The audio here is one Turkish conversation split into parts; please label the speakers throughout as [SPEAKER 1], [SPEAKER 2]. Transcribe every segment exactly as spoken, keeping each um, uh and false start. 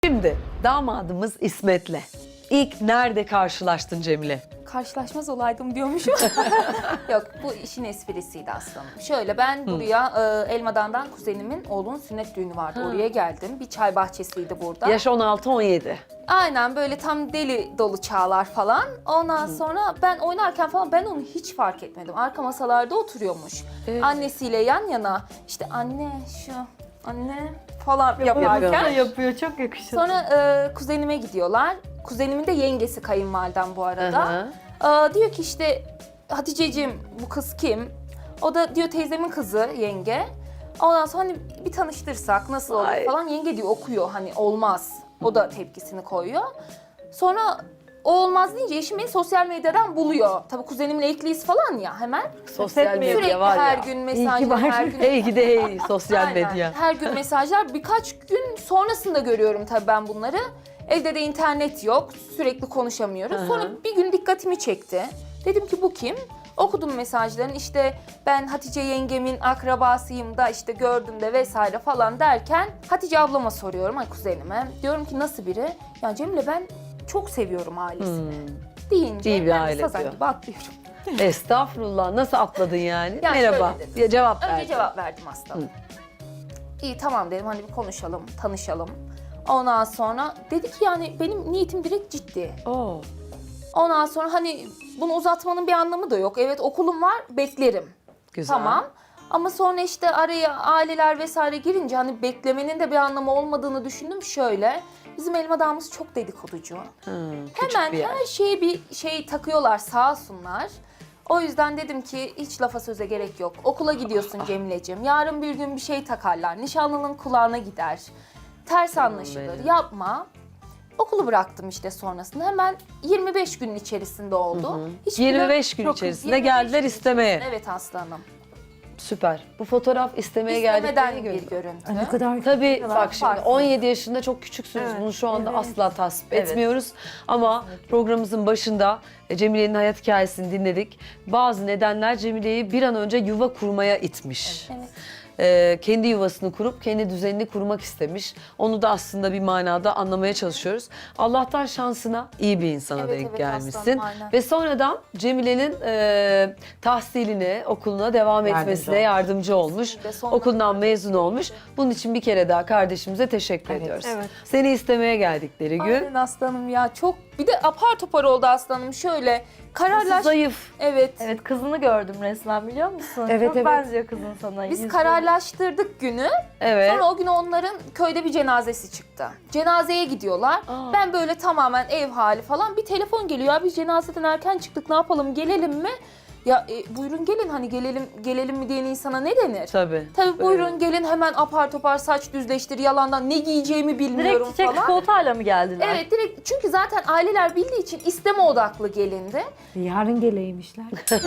[SPEAKER 1] Şimdi damadımız İsmet'le ilk nerede karşılaştın Cemile?
[SPEAKER 2] Karşılaşmaz olaydım diyormuşum. Yok, bu işin esprisiydi aslında. Şöyle, ben buraya e, Elmadan'dan kuzenimin oğlunun sünnet düğünü vardı.
[SPEAKER 1] Ha.
[SPEAKER 2] Oraya geldim. Bir çay bahçesiydi burada.
[SPEAKER 1] Yaş on altı on yedi.
[SPEAKER 2] Aynen, böyle tam deli dolu çağlar falan. Ondan sonra ben oynarken falan ben onu hiç fark etmedim. Arka masalarda oturuyormuş.
[SPEAKER 1] Evet.
[SPEAKER 2] Annesiyle yan yana, işte anne şu, anne falan yaparken.
[SPEAKER 1] Yapıyor.
[SPEAKER 3] yapıyor, çok yakışıyor.
[SPEAKER 2] Sonra e, kuzenime gidiyorlar. Kuzenimin de yengesi kayınvalidem bu arada.
[SPEAKER 1] Hı
[SPEAKER 2] Aa, diyor ki işte Haticeciğim, bu kız kim? O da diyor teyzemin kızı, yenge. Ondan sonra hani bir tanıştırsak nasıl olur
[SPEAKER 1] Ay.
[SPEAKER 2] falan. Yenge diyor okuyor, hani olmaz. O da tepkisini koyuyor. Sonra o olmaz deyince eşim beni sosyal medyadan buluyor. Tabii kuzenimin ekliyiz falan ya hemen.
[SPEAKER 1] Sosyal medya
[SPEAKER 2] Sürekli
[SPEAKER 1] var
[SPEAKER 2] her
[SPEAKER 1] ya.
[SPEAKER 2] gün
[SPEAKER 3] İyi
[SPEAKER 2] mesajlar,
[SPEAKER 3] ki var.
[SPEAKER 2] her gün...
[SPEAKER 1] Hey gide hey sosyal
[SPEAKER 2] Aynen.
[SPEAKER 1] medya.
[SPEAKER 2] Her gün mesajlar. Birkaç gün sonrasında görüyorum tabii ben bunları. Evde de internet yok. Sürekli konuşamıyoruz.
[SPEAKER 1] Hı hı.
[SPEAKER 2] Sonra bir gün dikkatimi çekti. Dedim ki bu kim? Okudum mesajlarını. İşte ben Hatice yengemin akrabasıyım da işte gördüm de vesaire falan derken Hatice ablama soruyorum, ay kuzenime. Diyorum ki nasıl biri? Ya Cemile, ben çok seviyorum ailesini.
[SPEAKER 1] Hmm.
[SPEAKER 2] Deyince
[SPEAKER 1] İyi bir
[SPEAKER 2] ben
[SPEAKER 1] aile
[SPEAKER 2] sazan
[SPEAKER 1] diyor.
[SPEAKER 2] gibi atlıyorum.
[SPEAKER 1] Estağfurullah, nasıl atladın yani?
[SPEAKER 2] Ya
[SPEAKER 1] Merhaba.
[SPEAKER 2] şöyle dedim.
[SPEAKER 1] Ya cevap
[SPEAKER 2] Önce
[SPEAKER 1] verdin.
[SPEAKER 2] cevap verdim aslında. İyi tamam dedim, hani bir konuşalım, tanışalım. Ondan sonra dedi ki yani benim niyetim direkt ciddi.
[SPEAKER 1] Oo.
[SPEAKER 2] Ondan sonra hani bunu uzatmanın bir anlamı da yok. Evet, okulum var, beklerim.
[SPEAKER 1] Güzel.
[SPEAKER 2] Tamam. Ama sonra işte araya aileler vesaire girince hani beklemenin de bir anlamı olmadığını düşündüm şöyle. Bizim Elmadağ'ımız çok dedikoducu.
[SPEAKER 1] Hı, küçük
[SPEAKER 2] Hemen
[SPEAKER 1] bir yer.
[SPEAKER 2] her şeye bir şey takıyorlar, sağ olsunlar. O yüzden dedim ki hiç lafa söze gerek yok. Okula gidiyorsun Cemile'ciğim. Yarın bir gün bir şey takarlar. Nişanlının kulağına gider. Ters anlaşılır.
[SPEAKER 1] benim.
[SPEAKER 2] Yapma. Okulu bıraktım işte sonrasında. Hemen yirmi beş gün içerisinde oldu. Hiçbir
[SPEAKER 1] yirmi beş gün
[SPEAKER 2] çok-
[SPEAKER 1] içerisinde
[SPEAKER 2] yirmi beş
[SPEAKER 1] geldiler
[SPEAKER 2] gün
[SPEAKER 1] istemeye.
[SPEAKER 2] içerisinde. Evet aslanım.
[SPEAKER 1] Süper. Bu fotoğraf istemeye
[SPEAKER 2] İstemeden
[SPEAKER 1] geldikleri
[SPEAKER 2] bir
[SPEAKER 1] gün.
[SPEAKER 2] görüntü.
[SPEAKER 3] Ne kadar
[SPEAKER 1] Tabii
[SPEAKER 2] kadar
[SPEAKER 1] bak şimdi
[SPEAKER 2] farklı.
[SPEAKER 1] on yedi yaşında çok küçüksünüz.
[SPEAKER 3] Evet,
[SPEAKER 1] Bunu şu anda
[SPEAKER 3] evet.
[SPEAKER 1] asla tasvip
[SPEAKER 2] Evet.
[SPEAKER 1] etmiyoruz. Ama programımızın başında e, Cemile'nin hayat hikayesini dinledik. Bazı nedenler Cemile'yi bir an önce yuva kurmaya itmiş.
[SPEAKER 2] Evet.
[SPEAKER 1] Ee, kendi yuvasını kurup kendi düzenini kurmak istemiş. Onu da aslında bir manada anlamaya çalışıyoruz. Allah'tan şansına iyi bir insana
[SPEAKER 2] Evet,
[SPEAKER 1] denk
[SPEAKER 2] evet
[SPEAKER 1] gelmişsin.
[SPEAKER 2] aslanım, aynen.
[SPEAKER 1] Ve sonradan Cemile'nin e, tahsiline, okuluna devam
[SPEAKER 3] Yardımcı
[SPEAKER 1] etmesine
[SPEAKER 3] olmuş.
[SPEAKER 1] yardımcı olmuş.
[SPEAKER 2] Kesinlikle, sonuna
[SPEAKER 1] Okuldan
[SPEAKER 2] kadar.
[SPEAKER 1] mezun olmuş. Bunun için bir kere daha kardeşimize teşekkür
[SPEAKER 3] Evet,
[SPEAKER 1] ediyoruz.
[SPEAKER 3] evet.
[SPEAKER 1] Seni istemeye geldikleri gün.
[SPEAKER 2] Aynen aslanım ya, çok bir de apar topar oldu aslanım, şöyle kararlaş.
[SPEAKER 1] Zayıf.
[SPEAKER 2] Evet.
[SPEAKER 4] Evet, kızını gördüm resmen, biliyor musun?
[SPEAKER 3] Evet,
[SPEAKER 4] Çok
[SPEAKER 3] evet.
[SPEAKER 4] benziyor kızın sana.
[SPEAKER 2] Biz
[SPEAKER 4] yüzü.
[SPEAKER 2] kararlaştırdık günü.
[SPEAKER 1] Evet.
[SPEAKER 2] Sonra o gün onların köyde bir cenazesi çıktı. Cenazeye gidiyorlar.
[SPEAKER 1] Aa.
[SPEAKER 2] Ben böyle tamamen ev hali falan, bir telefon geliyor. Ya biz cenazeden erken çıktık, ne yapalım, gelelim mi? Ya e, buyurun gelin, hani gelelim gelelim mi diyen insana ne denir?
[SPEAKER 1] Tabii.
[SPEAKER 2] Tabii buyurun gelin, hemen apar topar saç düzleştir, yalandan ne giyeceğimi bilmiyorum
[SPEAKER 4] Direkt çiçek
[SPEAKER 2] falan.
[SPEAKER 4] çikolatayla mı geldiler?
[SPEAKER 2] Evet, direkt, çünkü zaten aileler bildiği için isteme odaklı gelindi.
[SPEAKER 3] Yarın geleymişler.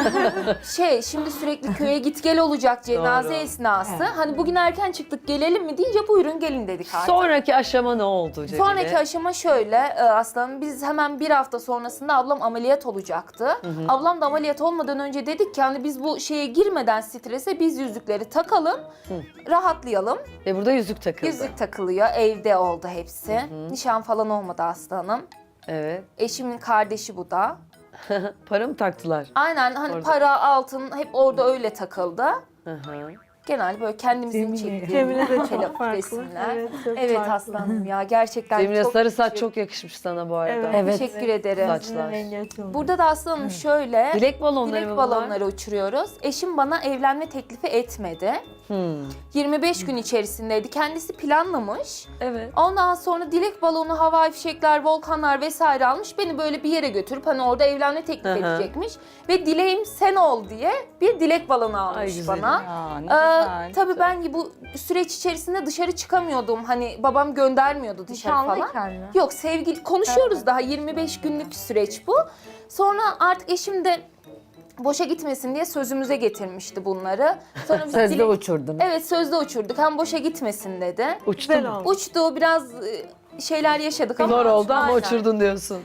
[SPEAKER 2] Şey, şimdi sürekli köye git gel olacak cenaze
[SPEAKER 1] Doğru.
[SPEAKER 2] esnası.
[SPEAKER 3] Evet.
[SPEAKER 2] Hani bugün erken çıktık, gelelim mi deyince buyurun gelin dedik artık.
[SPEAKER 1] Sonraki aşama ne oldu Cemile?
[SPEAKER 2] Sonraki aşama şöyle e, aslanım, biz hemen bir hafta sonrasında ablam ameliyat olacaktı. Ablam da ameliyat olmadan önce dedik ki hani biz bu şeye girmeden, strese, biz yüzükleri takalım, rahatlayalım.
[SPEAKER 1] Ve burada yüzük takıldı.
[SPEAKER 2] Yüzük takılıyor, evde oldu hepsi. Nişan falan olmadı aslanım.
[SPEAKER 1] Evet.
[SPEAKER 2] Eşimin kardeşi bu da.
[SPEAKER 1] Para mı taktılar?
[SPEAKER 2] Aynen, hani
[SPEAKER 1] Orada.
[SPEAKER 2] para, altın hep orada öyle takıldı.
[SPEAKER 1] Hı hı.
[SPEAKER 2] Genel böyle kendimizin
[SPEAKER 3] Cemile.
[SPEAKER 2] çektiğimiz
[SPEAKER 4] Cemile de çok
[SPEAKER 2] telefon
[SPEAKER 4] farklı.
[SPEAKER 2] resimler.
[SPEAKER 4] Evet, çok
[SPEAKER 2] Evet
[SPEAKER 4] farklı.
[SPEAKER 2] aslanım ya, gerçekten
[SPEAKER 1] Cemile
[SPEAKER 2] çok
[SPEAKER 1] sarı saç
[SPEAKER 2] teşekkür-
[SPEAKER 1] çok yakışmış sana bu arada.
[SPEAKER 4] Evet.
[SPEAKER 3] Evet.
[SPEAKER 2] Teşekkür ederim.
[SPEAKER 1] Saçlar.
[SPEAKER 4] Rengi açıldı.
[SPEAKER 2] Burada da aslanım şöyle
[SPEAKER 1] Dilek balonları
[SPEAKER 2] dilek
[SPEAKER 1] mı bunlar?
[SPEAKER 2] balonları uçuruyoruz. Eşim bana evlenme teklifi etmedi.
[SPEAKER 1] Hmm.
[SPEAKER 2] yirmi beş gün içerisindeydi. Kendisi planlamış.
[SPEAKER 1] Evet.
[SPEAKER 2] Ondan sonra dilek balonu, havai fişekler, volkanlar vesaire almış. Beni böyle bir yere götürüp hani orada evlenme teklif
[SPEAKER 1] Hı hı.
[SPEAKER 2] edecekmiş. Ve dileğim sen ol diye bir dilek balonu
[SPEAKER 1] Ay,
[SPEAKER 2] almış
[SPEAKER 1] güzelim.
[SPEAKER 2] bana.
[SPEAKER 4] Aa, ne
[SPEAKER 2] Ee,
[SPEAKER 4] güzel.
[SPEAKER 2] tabii ben bu süreç içerisinde dışarı çıkamıyordum. Hani babam göndermiyordu dışarı falan.
[SPEAKER 4] Nişanlıyken mi?
[SPEAKER 2] Yok, sevgili konuşuyoruz, daha yirmi beş günlük süreç bu. Sonra artık eşim de boşa gitmesin diye sözümüze getirmişti bunları. Sonra biz
[SPEAKER 3] Sözde
[SPEAKER 2] dilek-
[SPEAKER 3] uçurdun.
[SPEAKER 2] Evet, sözde uçurduk. Hem boşa gitmesin dedi.
[SPEAKER 1] Uçtu
[SPEAKER 4] Güzel
[SPEAKER 1] mu?
[SPEAKER 4] oldu.
[SPEAKER 2] Uçtu, biraz e, şeyler yaşadık ama.
[SPEAKER 1] Zor oldu ama
[SPEAKER 2] Aynen.
[SPEAKER 1] uçurdun diyorsun.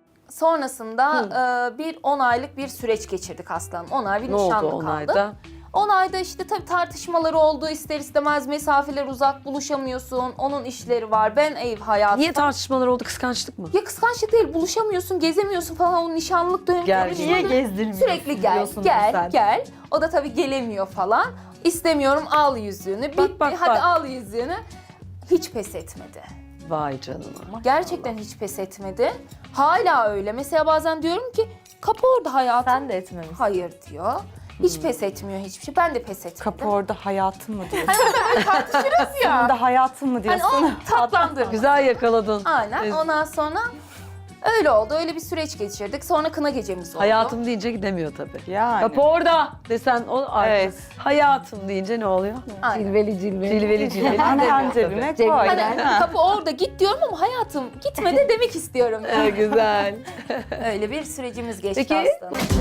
[SPEAKER 2] Sonrasında e, bir on aylık bir süreç geçirdik aslanım. on ay bir
[SPEAKER 1] Ne oldu
[SPEAKER 2] nişanlı
[SPEAKER 1] on
[SPEAKER 2] kaldı.
[SPEAKER 1] ayda?
[SPEAKER 2] on ayda işte tabii tartışmaları oldu, ister istemez mesafeler uzak, buluşamıyorsun, onun işleri var, ben ev hayatı.
[SPEAKER 1] Niye tartışmalar oldu? Kıskançlık mı?
[SPEAKER 2] Ya kıskançlık değil, buluşamıyorsun, gezemiyorsun falan, o nişanlılık dönemi.
[SPEAKER 1] Gel.
[SPEAKER 2] konuşmaları-
[SPEAKER 4] Niye gezdirmiyorsun
[SPEAKER 2] Sürekli gel,
[SPEAKER 4] diyorsunuz
[SPEAKER 2] gel,
[SPEAKER 4] sen.
[SPEAKER 2] gel. O da tabii gelemiyor falan. İstemiyorum, al yüzüğünü. Bitti,
[SPEAKER 1] bak,
[SPEAKER 2] hadi
[SPEAKER 1] bak.
[SPEAKER 2] al yüzüğünü. Hiç pes etmedi.
[SPEAKER 1] Vay canına.
[SPEAKER 2] Gerçekten hiç pes etmedi. Hala öyle. Mesela bazen diyorum ki kapı orada hayatım.
[SPEAKER 4] Sen de etmemişsin.
[SPEAKER 2] Hayır diyor. Hiç pes etmiyor hiçbir şey. Ben de pes etmedim.
[SPEAKER 5] Kapı orada hayatın mı diyorsun?
[SPEAKER 2] tartışırız ya.
[SPEAKER 5] Orada hayatın mı
[SPEAKER 2] Hani
[SPEAKER 5] diyorsun?
[SPEAKER 2] o tatlandırma.
[SPEAKER 1] Güzel yakaladın.
[SPEAKER 2] Aynen.
[SPEAKER 1] Evet.
[SPEAKER 2] Ondan sonra öyle oldu. Öyle bir süreç geçirdik. Sonra kına gecemiz oldu.
[SPEAKER 1] Hayatım deyince gidemiyor tabii.
[SPEAKER 5] Yani.
[SPEAKER 1] Kapı orada desen o artık.
[SPEAKER 5] Evet.
[SPEAKER 1] Hayatım deyince ne oluyor?
[SPEAKER 2] Aynen.
[SPEAKER 3] Cilveli cilveli.
[SPEAKER 1] Cilveli cilveli.
[SPEAKER 5] Anten cebine koy.
[SPEAKER 2] Hani kapı orada git diyorum ama hayatım gitme de demek istiyorum.
[SPEAKER 1] Evet, güzel.
[SPEAKER 2] Öyle bir sürecimiz geçti
[SPEAKER 1] Peki-
[SPEAKER 2] aslında.